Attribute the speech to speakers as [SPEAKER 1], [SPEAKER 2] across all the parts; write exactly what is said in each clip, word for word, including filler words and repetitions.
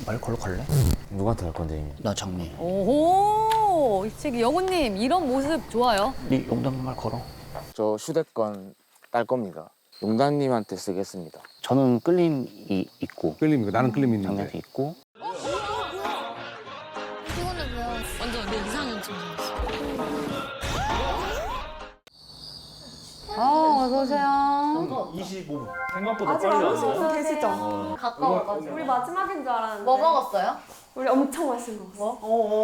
[SPEAKER 1] 말 걸러 갈래?
[SPEAKER 2] 누구한테 갈 건데 이미?
[SPEAKER 1] 나 장미.
[SPEAKER 3] 오호, 이치기 영우님 이런 모습 좋아요.
[SPEAKER 1] 네 용담 말 걸어.
[SPEAKER 2] 저 휴대권 딸 겁니다. 용단님한테 쓰겠습니다.
[SPEAKER 1] 저는 끌림이 있고
[SPEAKER 4] 끌림이고 나는 끌림이 있는데.
[SPEAKER 1] 장미한테 있고.
[SPEAKER 5] 피곤해 보여. 완전 내 이상형 좀
[SPEAKER 3] 어, 어서 오세요.
[SPEAKER 6] 이십오 분. 생각보다
[SPEAKER 7] 아직
[SPEAKER 6] 빨리
[SPEAKER 7] 안
[SPEAKER 6] 왔네.
[SPEAKER 7] 오신 분 계시죠?
[SPEAKER 5] 가까워가지고.
[SPEAKER 7] 우리 마지막인 줄 알았는데.
[SPEAKER 5] 뭐 먹었어요?
[SPEAKER 7] 우리 엄청 맛있는 거 먹었어.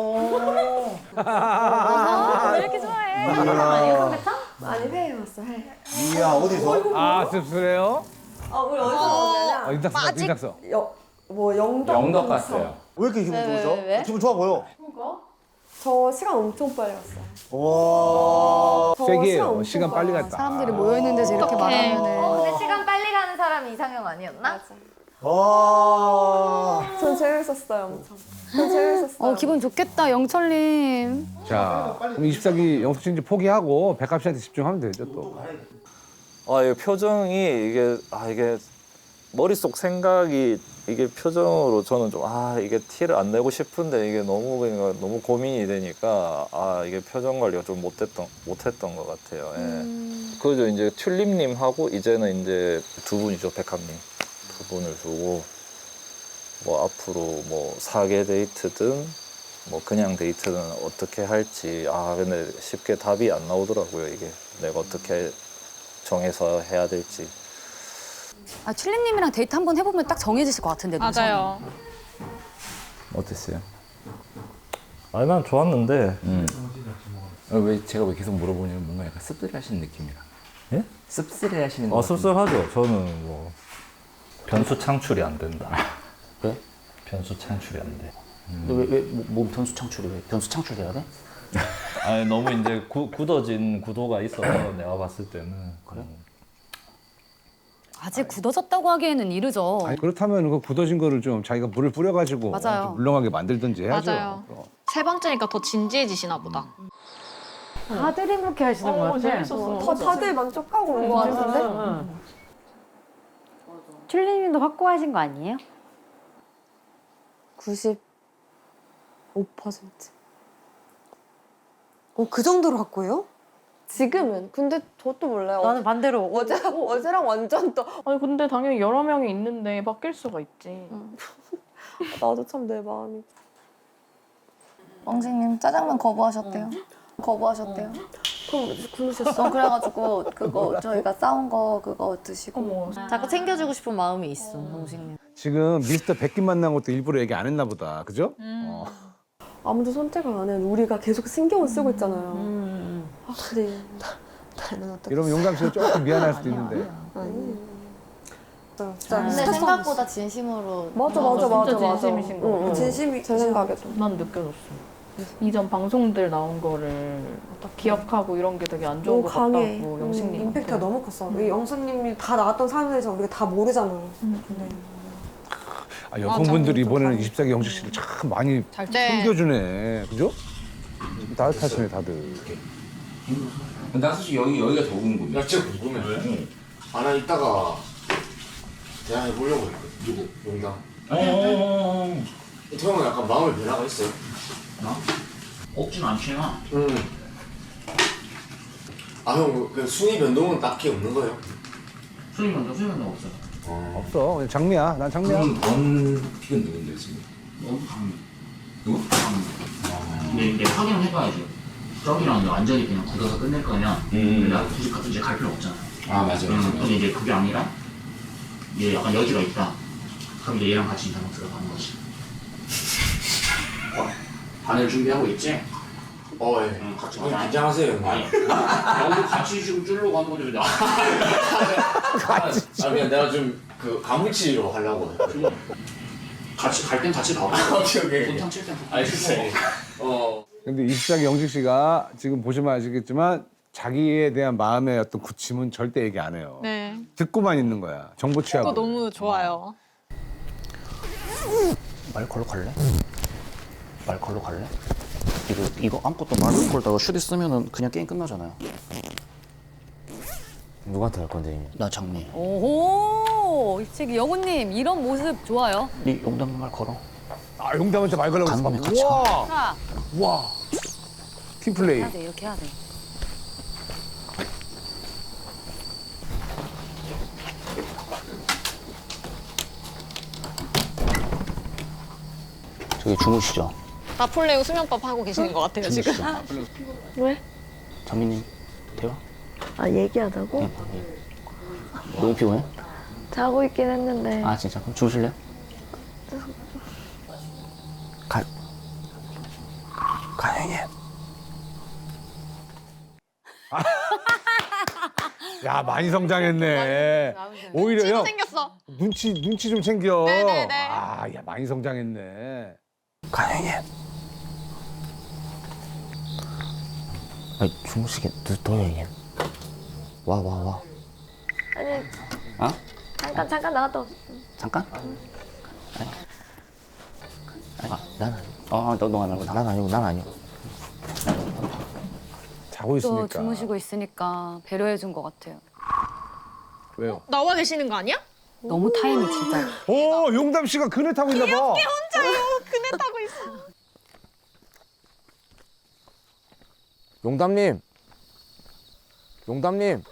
[SPEAKER 3] 아, 왜 이렇게 좋아해?
[SPEAKER 7] 아니요, 삼계탕? 아니, 회 먹었어, 회.
[SPEAKER 8] 이야 어디서?
[SPEAKER 4] 아 씁쓸해요?
[SPEAKER 7] 아, 우리 어디서 먹었냐면,
[SPEAKER 4] 아, 인탁서 인탁서.
[SPEAKER 7] 여, 뭐 영덕.
[SPEAKER 6] 영덕 갔어요.
[SPEAKER 8] 왜 이렇게 기분 좋으죠?
[SPEAKER 3] 왜, 왜?
[SPEAKER 8] 기분 좋아 보여.
[SPEAKER 7] 저 시간 엄청 빨리 갔어요.
[SPEAKER 8] 와.
[SPEAKER 7] 저
[SPEAKER 4] 세게요.
[SPEAKER 7] 엄청
[SPEAKER 4] 시간 빨리
[SPEAKER 7] 갔어요.
[SPEAKER 4] 갔다.
[SPEAKER 3] 사람들이 모여 있는 데서 이렇게 말하면은.
[SPEAKER 5] 어, 근데 시간 빨리 가는 사람이 이상형 아니었나?
[SPEAKER 8] 와.
[SPEAKER 7] 전 재밌었어요, 엄청. 전 재밌었어요.
[SPEAKER 3] 어, 기분 좋겠다, 영철님.
[SPEAKER 4] 자, 그럼 이십사 기 영숙 씨 이제 포기하고 백합 씨한테 집중하면 되죠 또.
[SPEAKER 9] 아, 이게 표정이 이게 아 이게 머릿속 생각이 이게 표정으로 저는 좀 아 이게 티를 안 내고 싶은데 이게 너무 그러니까 너무 고민이 되니까 아 이게 표정 관리가 좀 못했던 못했던 것 같아요. 예.
[SPEAKER 3] 음.
[SPEAKER 9] 그죠 이제 튤립님하고 이제는 이제 두 분이죠 백합님 두 분을 두고 뭐 앞으로 뭐 사계 데이트든 뭐 그냥 데이트든 어떻게 할지 아 근데 쉽게 답이 안 나오더라고요 이게 내가 어떻게 정해서 해야 될지.
[SPEAKER 3] 아, 튤립님이랑 데이트 한번 해보면 딱 정해지실 것 같은데.
[SPEAKER 5] 맞아요.
[SPEAKER 2] 어땠어요?
[SPEAKER 9] 아니 난 좋았는데
[SPEAKER 2] 음. 어, 왜 제가 왜 계속 물어보냐면 뭔가 약간 씁쓸해하시는 느낌이라.
[SPEAKER 9] 예?
[SPEAKER 2] 씁쓸해하시는 거.
[SPEAKER 9] 아 씁쓸하죠. 저는 뭐 변수 창출이 안 된다.
[SPEAKER 1] 왜?
[SPEAKER 9] 변수 창출이 안 돼.
[SPEAKER 1] 왜왜뭐 변수 창출이 왜 변수 창출돼야 돼?
[SPEAKER 9] 아니 너무 이제 구, 굳어진 구도가 있어서 내가 봤을 때는 그래.
[SPEAKER 3] 아직 굳어졌다고 하기에는 이르죠.
[SPEAKER 4] 아니, 그렇다면 그 굳어진 거를 좀 자기가 물을 뿌려가지고
[SPEAKER 3] 맞아요.
[SPEAKER 4] 좀 물렁하게 만들든지 해야죠.
[SPEAKER 5] 맞아요.
[SPEAKER 4] 어.
[SPEAKER 5] 세 번째니까 더 진지해지시나 보다.
[SPEAKER 10] 다들 행복해 하시는 것 같아.
[SPEAKER 7] 어, 다, 다들 만족하고 온 거 같은데?
[SPEAKER 10] 튤립님도 확고하신 거 아니에요?
[SPEAKER 7] 구십오 퍼센트. 어, 그 정도로 갖고요? 지금은. 근데 저도 몰라요.
[SPEAKER 10] 나는 반대로
[SPEAKER 7] 어제, 어제랑 완전 또.
[SPEAKER 11] 아니 근데 당연히 여러 명이 있는데 바뀔 수가 있지.
[SPEAKER 7] 나도 참 내 마음이.
[SPEAKER 5] 엉생님 짜장면 거부하셨대요. 거부하셨대요.
[SPEAKER 7] 그럼 굶으셨어?
[SPEAKER 5] 어, 그래가지고 그거 저희가 싸운 거 그거 드시고.
[SPEAKER 11] 어머.
[SPEAKER 10] 자꾸 챙겨주고 싶은 마음이 있어, 동식님.
[SPEAKER 4] 지금 미스터 백기 만난 것도 일부러 얘기 안 했나 보다. 그죠? 어.
[SPEAKER 7] 아무도 선택을 안 해. 우리가 계속 신경을 쓰고 있잖아요.
[SPEAKER 10] 음.
[SPEAKER 7] 아, 근데 나, 나는 어떻게.
[SPEAKER 4] 이러면 용감 씨가 조금 미안할 수도 있는데.
[SPEAKER 7] 아니. 진짜
[SPEAKER 5] 근데
[SPEAKER 7] 스트레스
[SPEAKER 5] 생각보다 진심으로.
[SPEAKER 7] 맞아, 맞아, 맞아,
[SPEAKER 11] 진짜
[SPEAKER 7] 맞아.
[SPEAKER 11] 진심이신 거
[SPEAKER 7] 응, 응.
[SPEAKER 11] 같아.
[SPEAKER 7] 진심이 제 생각에도.
[SPEAKER 11] 난 느껴졌어. 이전 방송들 나온 거를 딱 기억하고 이런 게 되게 안 좋은
[SPEAKER 7] 너무
[SPEAKER 11] 것
[SPEAKER 7] 강해.
[SPEAKER 11] 같다고
[SPEAKER 7] 음,
[SPEAKER 11] 영식님.
[SPEAKER 7] 임팩트가 너무 컸어. 이 영수님이 다 나왔던 사람들이지만 우리가 다 모르잖아요. 근데
[SPEAKER 4] 아, 여성분들이 이번에는 이십사 기 영식 씨를 참 많이 챙겨주네. 그죠? 따뜻하시네 다들.
[SPEAKER 2] 나 솔직히 여기 여기가 더 궁금해.
[SPEAKER 8] 나 진짜 궁금해. 왜? 아, 나 이따가 대화해 보려고 했거든. 누구? 용담.
[SPEAKER 2] 어.
[SPEAKER 8] 태형은 약간 마음의 변화가 있어요?
[SPEAKER 1] 나? 없진 않지만.
[SPEAKER 8] 응. 아, 형, 그 순위 변동은 딱히 없는 거예요?
[SPEAKER 1] 수익은 더 수익은 더 없어.
[SPEAKER 8] 어.
[SPEAKER 4] 없어. 그냥 장미야. 난 장미야.
[SPEAKER 2] 그럼 원 픽은 누군데 지금?
[SPEAKER 1] 너무 장미. 누구? 장미. 근데 이제 확인을 해봐야지. 저기랑 완전히 그냥 굳어서 끝낼 거면
[SPEAKER 2] 음.
[SPEAKER 1] 내가 굳이 같은 데 갈 필요 없잖아.
[SPEAKER 2] 아 맞아.
[SPEAKER 1] 음, 근데 이제 그게 아니라 얘 약간 여지가 있다. 그럼 이제 얘랑 같이 인터넷 들어가는 거지. 어? 반을 준비하고 있지?
[SPEAKER 8] 어, 예.
[SPEAKER 1] 응, 같이
[SPEAKER 8] 형,
[SPEAKER 1] 가자.
[SPEAKER 8] 긴장하세요, 형님.
[SPEAKER 1] 아니, 나도 같이 지금 쫄려고 한 거지.
[SPEAKER 8] 같이. 아, 그냥 내가 좀 그 가물치로 하려고 했거든.
[SPEAKER 1] 같이 갈 땐 같이 가고.
[SPEAKER 8] 오케이, 오케이.
[SPEAKER 1] 돈탕 칠땐
[SPEAKER 8] 알겠어. 어.
[SPEAKER 4] 근데 이십사 기 영식 씨가 지금 보시면 아시겠지만 자기에 대한 마음의 어떤 굳힘은 절대 얘기 안 해요.
[SPEAKER 5] 네.
[SPEAKER 4] 듣고만 있는 거야. 정보 취하고.
[SPEAKER 5] 그거 너무 좋아요.
[SPEAKER 1] 말 걸러 갈래? 말 걸러 갈래? 이거 이거 아무것도 말 걸다가 슈디 쓰면은 그냥 게임 끝나잖아요.
[SPEAKER 2] 누구한테 갈 건데 이미?
[SPEAKER 1] 나 장미.
[SPEAKER 3] 오호, 이치기 영우님 이런 모습 좋아요.
[SPEAKER 1] 네 용담 말 걸어.
[SPEAKER 4] 아 용담한테 말 걸라고
[SPEAKER 1] 감독님
[SPEAKER 4] 그랬어.
[SPEAKER 1] 같이
[SPEAKER 4] 와,
[SPEAKER 3] 자,
[SPEAKER 4] 와. 팀플레이.
[SPEAKER 3] 해야 돼. 이렇게 해야 돼.
[SPEAKER 1] 저기 주무시죠.
[SPEAKER 11] 나폴레옹 수면법 하고 계시는 것 같아요 지금.
[SPEAKER 5] 왜?
[SPEAKER 1] 정민님 대화.
[SPEAKER 5] 아 얘기하자고?
[SPEAKER 1] 네. 너무 피곤해?
[SPEAKER 5] 자고 있긴 했는데.
[SPEAKER 1] 아 진짜? 그럼 주무실래요? 가. 가영이.
[SPEAKER 4] 야 많이 성장했네. 오히려요.
[SPEAKER 11] 생겼어.
[SPEAKER 4] 눈치 눈치 좀 챙겨.
[SPEAKER 11] 네네네.
[SPEAKER 4] 아, 야 많이 성장했네.
[SPEAKER 1] 가영이. 아니 주무시게 늦어요 얘. 와 와 와.
[SPEAKER 5] 아니
[SPEAKER 1] 어?
[SPEAKER 5] 잠깐 잠깐 나갔다 왔어.
[SPEAKER 1] 잠깐? 아니. 아니 난 아니. 어너너안 아니고 난 아니고 난 아니고.
[SPEAKER 4] 자고
[SPEAKER 3] 또
[SPEAKER 4] 있으니까.
[SPEAKER 3] 주무시고 있으니까 배려해 준 것 같아요.
[SPEAKER 4] 왜요?
[SPEAKER 11] 나와 계시는 거 아니야?
[SPEAKER 3] 너무 타임이 진짜.
[SPEAKER 4] 오 용담 씨가 그네 타고 있나 봐.
[SPEAKER 11] 혼자요. 그네 타고 있어.
[SPEAKER 2] 용담님. 용담님.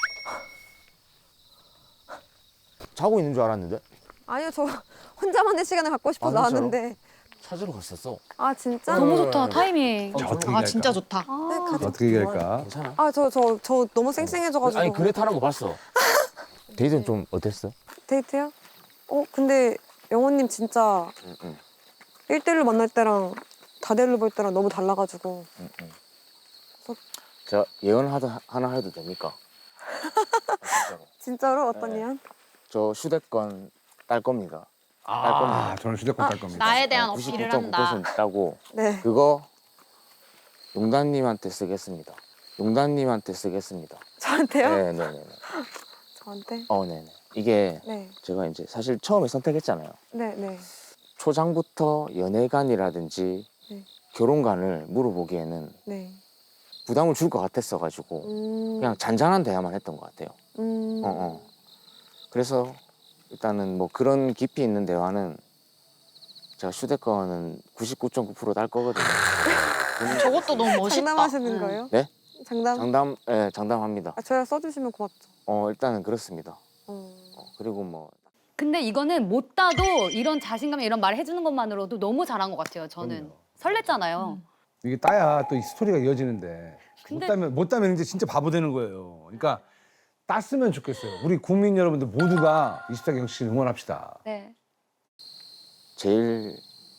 [SPEAKER 2] 자고 있는 줄 알았는데.
[SPEAKER 7] 아니요, 저 혼자만의 시간을 갖고 싶어서
[SPEAKER 2] 아, 진짜로?
[SPEAKER 7] 나왔는데.
[SPEAKER 2] 찾으러 갔었어.
[SPEAKER 7] 아 진짜?
[SPEAKER 3] 너무 좋다. 타이밍.
[SPEAKER 4] 자, 어떻게
[SPEAKER 11] 아
[SPEAKER 4] 얘기할까?
[SPEAKER 11] 진짜 좋다.
[SPEAKER 7] 네, 가자.
[SPEAKER 4] 어떻게 얘기할까?
[SPEAKER 2] 괜찮아?
[SPEAKER 7] 아 저 저 저 너무 쌩쌩해져가지고.
[SPEAKER 2] 아니 그네 타는 거 봤어. 데이트는 좀 어땠어?
[SPEAKER 7] 데이트요? 어 근데 영호님 진짜
[SPEAKER 2] 응, 응,
[SPEAKER 7] 일 대일로 만날 때랑 다대일로 볼 때랑 너무 달라가지고.
[SPEAKER 2] 응, 응. 제가 예언 하다, 하나 해도 됩니까? 아, 진짜로.
[SPEAKER 7] 진짜로 어떤
[SPEAKER 2] 네.
[SPEAKER 7] 예언?
[SPEAKER 2] 저 휴대권 딸 겁니다.
[SPEAKER 4] 아, 저는 휴대폰 딸 겁니다.
[SPEAKER 11] 나에 대한
[SPEAKER 2] 구십구
[SPEAKER 11] 어필을
[SPEAKER 2] 점 구
[SPEAKER 11] 한다.
[SPEAKER 2] 퍼센트 따고
[SPEAKER 7] 네.
[SPEAKER 2] 그거 용단님한테 쓰겠습니다. 용단님한테 쓰겠습니다.
[SPEAKER 7] 저한테요?
[SPEAKER 2] 네네네.
[SPEAKER 7] 저한테?
[SPEAKER 2] 어, 네네. 이게
[SPEAKER 7] 네.
[SPEAKER 2] 제가 이제 사실 처음에 선택했잖아요.
[SPEAKER 7] 네, 네.
[SPEAKER 2] 초장부터 연애관이라든지
[SPEAKER 7] 네.
[SPEAKER 2] 결혼관을 물어보기에는
[SPEAKER 7] 네.
[SPEAKER 2] 부담을 줄 것 같았어가지고
[SPEAKER 7] 음.
[SPEAKER 2] 그냥 잔잔한 대화만 했던 것 같아요.
[SPEAKER 7] 음.
[SPEAKER 2] 어, 어. 그래서 일단은 뭐 그런 깊이 있는 대화는 제가 휴대권은 구십구 점 구 퍼센트 딸 거거든요.
[SPEAKER 11] 저것도 너무 멋있다.
[SPEAKER 7] 장담하시는 거예요?
[SPEAKER 2] 네?
[SPEAKER 7] 장담?
[SPEAKER 2] 장담, 예, 장담합니다.
[SPEAKER 7] 아, 저야 써주시면 고맙죠.
[SPEAKER 2] 어, 일단은 그렇습니다.
[SPEAKER 7] 어.
[SPEAKER 2] 어, 그리고 뭐
[SPEAKER 3] 근데 이거는 못 따도 이런 자신감 이런 말 해주는 것만으로도 너무 잘한 것 같아요. 저는 설렜잖아요.
[SPEAKER 4] 이게 따야 또 이 스토리가 이어지는데
[SPEAKER 3] 근데-
[SPEAKER 4] 못 따면 못 따면 이제 진짜 바보 되는 거예요. 그러니까 땄으면 좋겠어요. 우리 국민 여러분들 모두가 이십사 기 경식 씨를 응원합시다.
[SPEAKER 3] 네.
[SPEAKER 2] 제일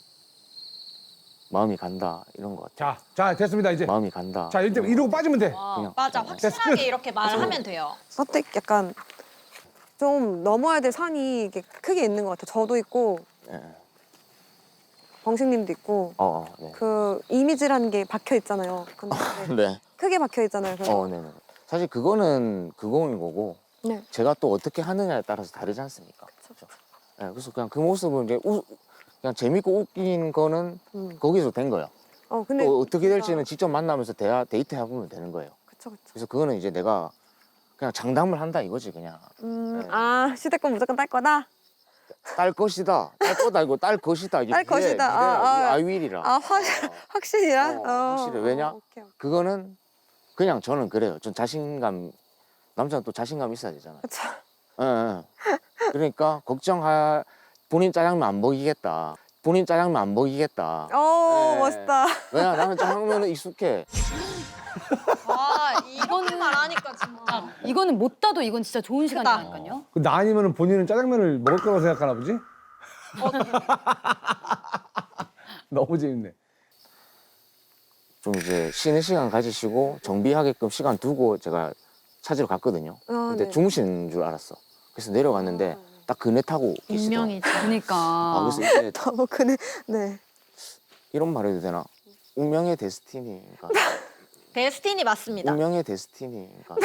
[SPEAKER 2] 마음이 간다 이런 것 같아요.
[SPEAKER 4] 자, 자 됐습니다 이제.
[SPEAKER 2] 마음이 간다.
[SPEAKER 4] 자 이제 이러고 빠지면 돼.
[SPEAKER 2] 그냥
[SPEAKER 11] 맞아,
[SPEAKER 2] 그냥
[SPEAKER 11] 확실하게 이렇게 말하면 돼요.
[SPEAKER 7] 선택 약간 좀 넘어야 될 산이 이게 크게 있는 것 같아요. 저도 있고
[SPEAKER 2] 예.
[SPEAKER 7] 범식님도 있고
[SPEAKER 2] 어, 어, 네.
[SPEAKER 7] 그 이미지라는 게 박혀 있잖아요. 근데
[SPEAKER 2] 네.
[SPEAKER 7] 크게 박혀 있잖아요. 그래서
[SPEAKER 2] 어, 네, 네. 사실 그거는 그거인 거고
[SPEAKER 7] 네.
[SPEAKER 2] 제가 또 어떻게 하느냐에 따라서 다르지 않습니까? 그렇죠. 네, 그래서 그냥 그 모습은 이제 우, 그냥 재밌고 웃긴 거는
[SPEAKER 7] 음.
[SPEAKER 2] 거기서 된 거예요.
[SPEAKER 7] 어 근데
[SPEAKER 2] 또 어떻게
[SPEAKER 7] 진짜-
[SPEAKER 2] 될지는 직접 만나면서 대화 데이트 해보면 되는 거예요.
[SPEAKER 7] 그쵸 그쵸.
[SPEAKER 2] 그래서 그거는 이제 내가 그냥 장담을 한다 이거지 그냥
[SPEAKER 7] 음,
[SPEAKER 2] 네.
[SPEAKER 7] 아 휴대권 무조건 딸 거다.
[SPEAKER 2] 딸 것이다 딸 거다 이거 딸 것이다 이게
[SPEAKER 7] 딸
[SPEAKER 2] 미래,
[SPEAKER 7] 것이다.
[SPEAKER 2] 미래야,
[SPEAKER 7] 아, 아.
[SPEAKER 2] 이게 아이윌이라
[SPEAKER 7] 아 확 확실이야.
[SPEAKER 2] 어, 확실해. 왜냐?
[SPEAKER 7] 오케이, 오케이.
[SPEAKER 2] 그거는 그냥 저는 그래요. 전 자신감 남자는 또 자신감 있어야 되잖아요.
[SPEAKER 7] 그쵸.
[SPEAKER 2] 예, 예. 그러니까 걱정할 본인 짜장면 안 먹이겠다. 본인 짜장면 안 먹이겠다.
[SPEAKER 7] 오
[SPEAKER 2] 네.
[SPEAKER 7] 멋있다.
[SPEAKER 2] 왜냐 나는 짜장면은 익숙해.
[SPEAKER 11] 와, 이거는 말하니까 진짜.
[SPEAKER 3] 이거는 못 따도 이건 진짜 좋은 시간이라니까요.
[SPEAKER 4] 그 나 아니면 본인은 짜장면을 먹을 거라고 생각하나 보지? 너무 재밌네.
[SPEAKER 2] 좀 이제 쉬는 시간 가지시고 정비하게끔 시간 두고 제가 찾으러 갔거든요.
[SPEAKER 7] 아,
[SPEAKER 2] 근데
[SPEAKER 7] 네.
[SPEAKER 2] 주무시는 줄 알았어. 그래서 내려갔는데 딱 그네 타고 계시더라고요.
[SPEAKER 11] 운명이지.
[SPEAKER 3] 그러니까.
[SPEAKER 2] 아, 그래서 이제
[SPEAKER 7] 너무 그네. 네.
[SPEAKER 2] 이런 말 해도 되나? 운명의 데스티니. 그러니까
[SPEAKER 11] 데스티니 맞습니다.
[SPEAKER 2] 운명의 데스티니. 그러니까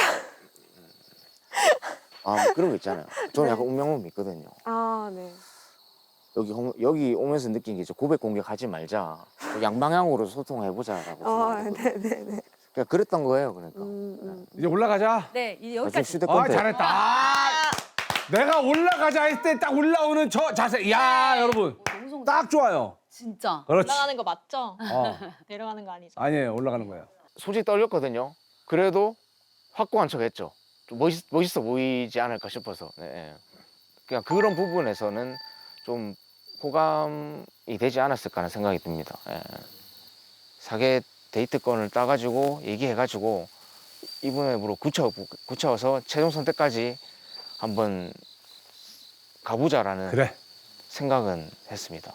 [SPEAKER 2] 아, 뭐 그런 거 있잖아요. 저는 약간 운명을 믿거든요.
[SPEAKER 7] 아 네.
[SPEAKER 2] 여기 홈- 여기 오면서 느낀 게 이제 고백 공격하지 말자. 양방향으로 소통해보자라고.
[SPEAKER 7] 아
[SPEAKER 2] 생각하거든요.
[SPEAKER 7] 네네네.
[SPEAKER 2] 그냥 그랬던 거예요, 그러니까.
[SPEAKER 7] 음, 음.
[SPEAKER 4] 이제 올라가자.
[SPEAKER 3] 네, 이제
[SPEAKER 2] 아, 좀
[SPEAKER 3] 여기까지.
[SPEAKER 2] 휴대폰
[SPEAKER 4] 아
[SPEAKER 2] 때
[SPEAKER 4] 잘했다. 아, 내가 올라가자 했을 때 딱 올라오는 저 자세. 야 여러분.
[SPEAKER 3] 너무
[SPEAKER 4] 딱 좋아요.
[SPEAKER 3] 진짜.
[SPEAKER 4] 그렇지.
[SPEAKER 11] 올라가는 거 맞죠?
[SPEAKER 4] 어.
[SPEAKER 11] 내려가는 거 아니죠?
[SPEAKER 4] 아니에요. 올라가는 거예요.
[SPEAKER 2] 솔직히 떨렸거든요. 그래도 확고한 척했죠. 좀 멋있, 멋있어 보이지 않을까 싶어서. 네. 그냥 그런 부분에서는 좀 호감이 되지 않았을까 하는 생각이 듭니다. 예. 사계 데이트권을 따가지고 얘기해가지고 이분으로 굳혀, 굳혀서 최종 선택까지 한번 가보자라는
[SPEAKER 4] 그래.
[SPEAKER 2] 생각은 했습니다.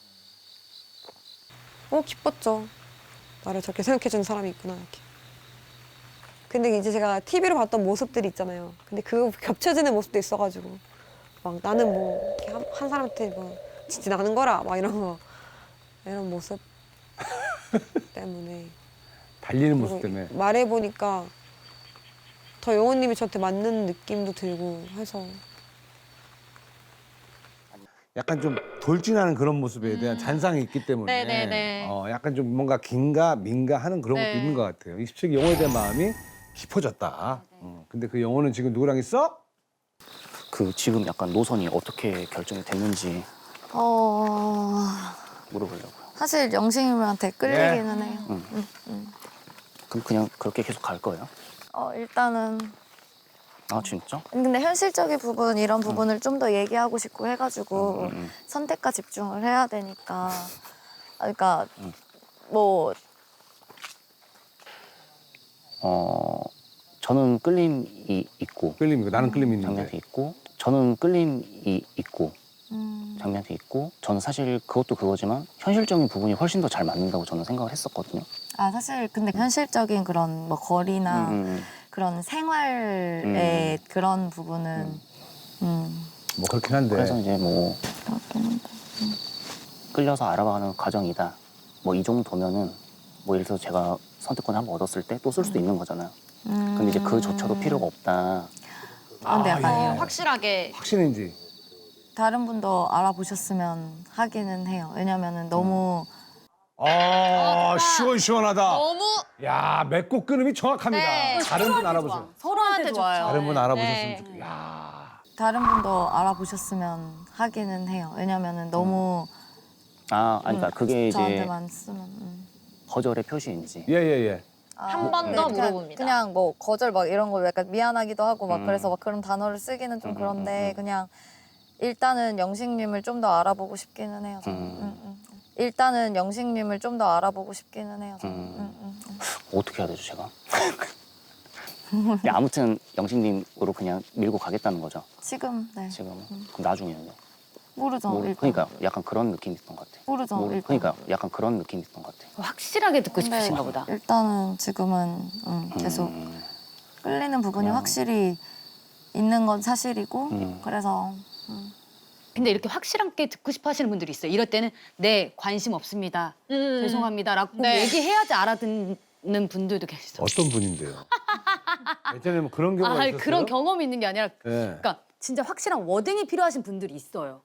[SPEAKER 7] 어 기뻤죠. 나를 저렇게 생각해주는 사람이 있구나 이렇게. 근데 이제 제가 티비로 봤던 모습들이 있잖아요. 근데 그 겹쳐지는 모습도 있어가지고 막 나는 뭐 이렇게 한, 한 사람한테 뭐 진짜 나는 거라 막 이런 거 이런 모습 때문에
[SPEAKER 4] 달리는 모습
[SPEAKER 7] 그리고
[SPEAKER 4] 때문에.
[SPEAKER 7] 말해보니까 더 영호님이 저한테 맞는 느낌도 들고 해서
[SPEAKER 4] 약간 좀 돌진하는 그런 모습에 대한 잔상이 있기 때문에
[SPEAKER 11] 네네네.
[SPEAKER 4] 어, 약간 좀 뭔가 긴가 민가 하는 그런 것도
[SPEAKER 11] 네.
[SPEAKER 4] 있는 것 같아요. 이십 세기 영호에 대한 마음이 깊어졌다. 어, 근데 그 영호는 지금 누구랑 있어?
[SPEAKER 1] 그 지금 약간 노선이 어떻게 결정이 됐는지
[SPEAKER 5] 어
[SPEAKER 1] 물어보려고요.
[SPEAKER 5] 사실 영식님한테 끌리기는 해요.
[SPEAKER 1] 응.
[SPEAKER 5] 응, 응.
[SPEAKER 1] 그럼 그냥 그렇게 계속 갈 거예요?
[SPEAKER 5] 어 일단은
[SPEAKER 1] 아 진짜?
[SPEAKER 5] 근데 현실적인 부분 이런 부분을 좀 더 얘기하고 싶고 해가지고
[SPEAKER 1] 음, 음.
[SPEAKER 5] 선택과 집중을 해야 되니까 아, 그러니까
[SPEAKER 1] 음.
[SPEAKER 5] 뭐
[SPEAKER 1] 어 저는 끌림이 있고
[SPEAKER 4] 끌림이고 나는 끌림이
[SPEAKER 1] 장미한테
[SPEAKER 4] 있는데.
[SPEAKER 1] 있고 저는 끌림이 있고
[SPEAKER 5] 음,
[SPEAKER 1] 장미한테 있고 저는 사실 그것도 그거지만 현실적인 부분이 훨씬 더 잘 맞는다고 저는 생각을 했었거든요.
[SPEAKER 5] 아 사실 근데 현실적인 그런 뭐 거리나
[SPEAKER 1] 음, 음,
[SPEAKER 5] 그런 생활의 그런 부분은 음,
[SPEAKER 4] 뭐 그렇긴 한데.
[SPEAKER 1] 그래서 이제 뭐
[SPEAKER 5] 그렇긴 한데.
[SPEAKER 1] 끌려서 알아가는 과정이다. 뭐 이 정도면은 뭐 예를 들어서 제가 선택권을 한번 얻었을 때 또 쓸 수도 있는 거잖아요.
[SPEAKER 5] 음.
[SPEAKER 1] 근데 이제 그조차도 필요가 없다.
[SPEAKER 5] 아, 근데 약간
[SPEAKER 4] 예.
[SPEAKER 11] 확실하게
[SPEAKER 4] 확신인지.
[SPEAKER 5] 다른 분도 알아보셨으면 하기는 해요. 왜냐면은 너무
[SPEAKER 4] 아 시원시원하다.
[SPEAKER 11] 너무
[SPEAKER 4] 야 맺고 끊음이 정확합니다.
[SPEAKER 11] 네.
[SPEAKER 4] 다른 분 알아보세요.
[SPEAKER 3] 서로한테 좋아요.
[SPEAKER 4] 다른 분 알아보셨으면
[SPEAKER 11] 네.
[SPEAKER 4] 좋겠어요. 야.
[SPEAKER 5] 다른 분도 알아보셨으면 하기는 해요. 왜냐면은 너무
[SPEAKER 1] 아, 아니, 그러니까
[SPEAKER 5] 음,
[SPEAKER 1] 그게 이제
[SPEAKER 5] 저한테만 쓰면 음.
[SPEAKER 1] 거절의 표시인지.
[SPEAKER 4] 예예 예.
[SPEAKER 11] 한 번 더
[SPEAKER 5] 네, 그냥-
[SPEAKER 11] 물어봅니다.
[SPEAKER 5] 그냥 뭐 거절 막 이런 거 약간 미안하기도 하고 막
[SPEAKER 1] 음.
[SPEAKER 5] 그래서 막 그런 단어를 쓰기는 좀
[SPEAKER 1] 음,
[SPEAKER 5] 그런데
[SPEAKER 1] 음, 음.
[SPEAKER 5] 그냥 일단은 영식님을 좀 더 알아보고 싶기는 해요. 저는.
[SPEAKER 1] 음.
[SPEAKER 5] 음, 음. 일단은 영식님을 좀 더 알아보고 싶기는 해요. 저는.
[SPEAKER 1] 음.
[SPEAKER 5] 음, 음, 음.
[SPEAKER 1] 어떻게 해야 되죠, 제가? 근데 아무튼 영식님으로 그냥 밀고 가겠다는 거죠,
[SPEAKER 5] 지금 네
[SPEAKER 1] 지금. 그럼 나중에는요?
[SPEAKER 5] 모르죠.
[SPEAKER 1] 모르,
[SPEAKER 5] 일단.
[SPEAKER 1] 그러니까 약간 그런 느낌이 있던 것 같아요.
[SPEAKER 5] 모르죠.
[SPEAKER 1] 모르,
[SPEAKER 5] 일단.
[SPEAKER 1] 그러니까 약간 그런 느낌이 있던 것 같아요.
[SPEAKER 3] 확실하게 듣고
[SPEAKER 5] 근데
[SPEAKER 3] 싶으신가 보다.
[SPEAKER 5] 일단은 지금은 음, 계속
[SPEAKER 1] 음,
[SPEAKER 5] 끌리는 부분이
[SPEAKER 1] 그냥-
[SPEAKER 5] 확실히 있는 건 사실이고
[SPEAKER 1] 음.
[SPEAKER 5] 그래서 음.
[SPEAKER 3] 근데 이렇게 확실하게 듣고 싶어 하시는 분들이 있어요. 이럴 때는 네, 관심 없습니다.
[SPEAKER 11] 음.
[SPEAKER 3] 죄송합니다라고 꼭
[SPEAKER 11] 네.
[SPEAKER 3] 얘기해야지 알아듣는 분들도 계시죠.
[SPEAKER 4] 어떤 분인데요? 예전에 뭐 그런 경우가
[SPEAKER 3] 아,
[SPEAKER 4] 있었어요?
[SPEAKER 3] 그런 경험이 있는 게 아니라
[SPEAKER 4] 예.
[SPEAKER 3] 그러니까 진짜 확실한 워딩이 필요하신 분들이 있어요.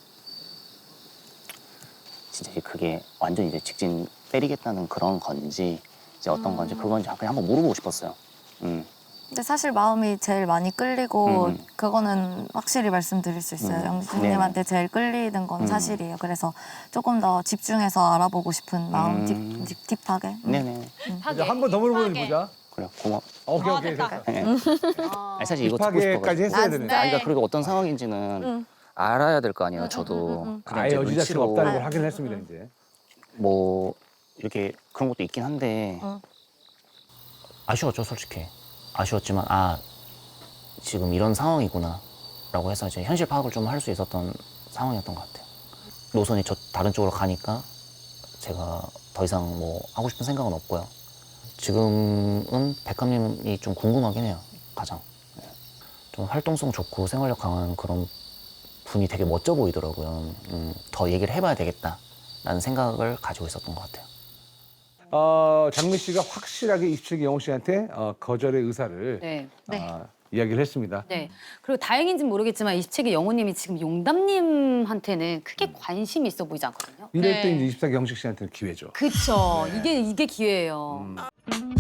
[SPEAKER 1] 진짜 이제 그게 완전 이제 직진 때리겠다는 그런 건지 이제 어떤 건지 그건지 그냥 한번 물어보고 싶었어요. 음.
[SPEAKER 5] 근데 사실 마음이 제일 많이 끌리고
[SPEAKER 1] 음.
[SPEAKER 5] 그거는 확실히 말씀드릴 수 있어요.
[SPEAKER 1] 음.
[SPEAKER 5] 영수님한테 제일 끌리는 건
[SPEAKER 1] 음.
[SPEAKER 5] 사실이에요. 그래서 조금 더 집중해서 알아보고 싶은 마음
[SPEAKER 1] 음.
[SPEAKER 5] 딥, 딥, 딥하게. 음.
[SPEAKER 1] 네네.
[SPEAKER 4] 이제 한 번 더 물어보는
[SPEAKER 11] 딥하게.
[SPEAKER 4] 보자.
[SPEAKER 1] 그래, 고마워.
[SPEAKER 4] 오케이
[SPEAKER 11] 아,
[SPEAKER 4] 오케이
[SPEAKER 11] 됐다.
[SPEAKER 4] 됐어.
[SPEAKER 1] 네. 아니, 사실 이거 듣고
[SPEAKER 4] 딥하게까지
[SPEAKER 1] 싶어가지고.
[SPEAKER 4] 했어야
[SPEAKER 5] 아,
[SPEAKER 4] 되네.
[SPEAKER 5] 진짜?
[SPEAKER 1] 아니, 그러니까 그리고 어떤 상황인지는
[SPEAKER 5] 응.
[SPEAKER 1] 알아야 될 거 아니에요,
[SPEAKER 5] 응,
[SPEAKER 1] 저도.
[SPEAKER 5] 응, 응, 응.
[SPEAKER 1] 그냥
[SPEAKER 4] 아예
[SPEAKER 1] 이제
[SPEAKER 4] 여지자체가
[SPEAKER 1] 눈치로
[SPEAKER 4] 없다는 걸
[SPEAKER 5] 아,
[SPEAKER 4] 확인을 했습니다 이제.
[SPEAKER 1] 뭐 이렇게 그런 것도 있긴 한데
[SPEAKER 5] 응.
[SPEAKER 1] 아쉬웠죠, 솔직히. 아쉬웠지만 아 지금 이런 상황이구나 라고 해서 이제 현실 파악을 좀 할 수 있었던 상황이었던 것 같아요. 노선이 저 다른 쪽으로 가니까 제가 더 이상 뭐 하고 싶은 생각은 없고요. 지금은 백합님이 좀 궁금하긴 해요, 가장. 네. 좀 활동성 좋고 생활력 강한 그런 분이 되게 멋져 보이더라고요. 음, 더 얘기를 해봐야 되겠다라는 생각을 가지고 있었던 것 같아요.
[SPEAKER 4] 어, 장미 씨가 확실하게 이십 세기 영호 씨한테 어, 거절의 의사를
[SPEAKER 3] 네.
[SPEAKER 4] 아, 이야기를 했습니다.
[SPEAKER 3] 네. 그리고 다행인지는 모르겠지만 이십 세기 영호님이 지금 용담님한테는 크게 관심이 있어 보이지 않거든요.
[SPEAKER 4] 이럴
[SPEAKER 11] 네.
[SPEAKER 4] 때 이제 이십 세기 영식 씨한테는 기회죠.
[SPEAKER 3] 그쵸.
[SPEAKER 4] 네.
[SPEAKER 3] 이게 이게 기회예요.
[SPEAKER 4] 음.